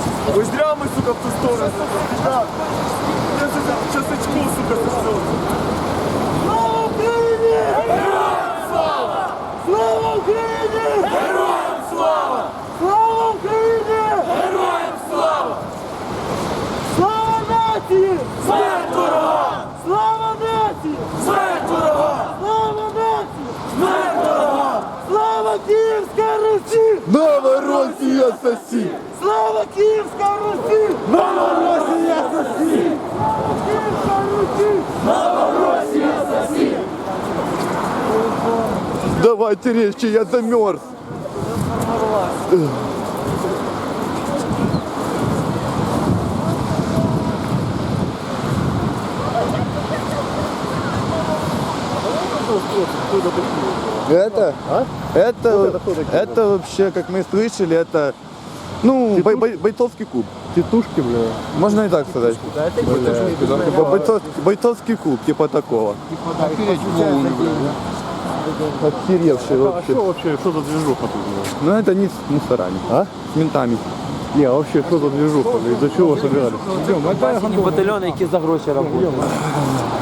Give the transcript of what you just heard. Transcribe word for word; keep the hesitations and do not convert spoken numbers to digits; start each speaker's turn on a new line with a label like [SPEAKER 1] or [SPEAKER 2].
[SPEAKER 1] Ой, зря мы, сука, в ту сторону. Да. Я сейчас очко, сука, сосу. Слава Украине! Героям слава! Слава Украине! Героям слава! Слава Україні! Героям слава! Слава нації! Смерть ворогам! Слава нації! Смерть ворогам! Слава нації! Смерть ворогам! Слава Київська Русі!
[SPEAKER 2] Новоросія сосі!
[SPEAKER 1] Слава Київська Русі!
[SPEAKER 2] Новоросія сосі!
[SPEAKER 1] Київська Русі!
[SPEAKER 2] Новоросія сосі! Давайте резче, я замерз. Это,
[SPEAKER 3] А?
[SPEAKER 2] это, это вообще, как мы слышали, это, ну, бой- бой- бойцовский клуб.
[SPEAKER 3] Тітушки, бля.
[SPEAKER 2] Можно и так сказать. Бо- Бойцовский, бойцовский клуб, типа такого. Охеревший
[SPEAKER 3] А
[SPEAKER 2] вообще.
[SPEAKER 3] що вообще, що за движуха тут? бля?
[SPEAKER 2] Ну это не с мусорами,
[SPEAKER 3] А?
[SPEAKER 2] с ментами.
[SPEAKER 3] Не, а вообще, що за движуха? Из-за чего собирались?
[SPEAKER 4] Батальйони, які за гроші працюють.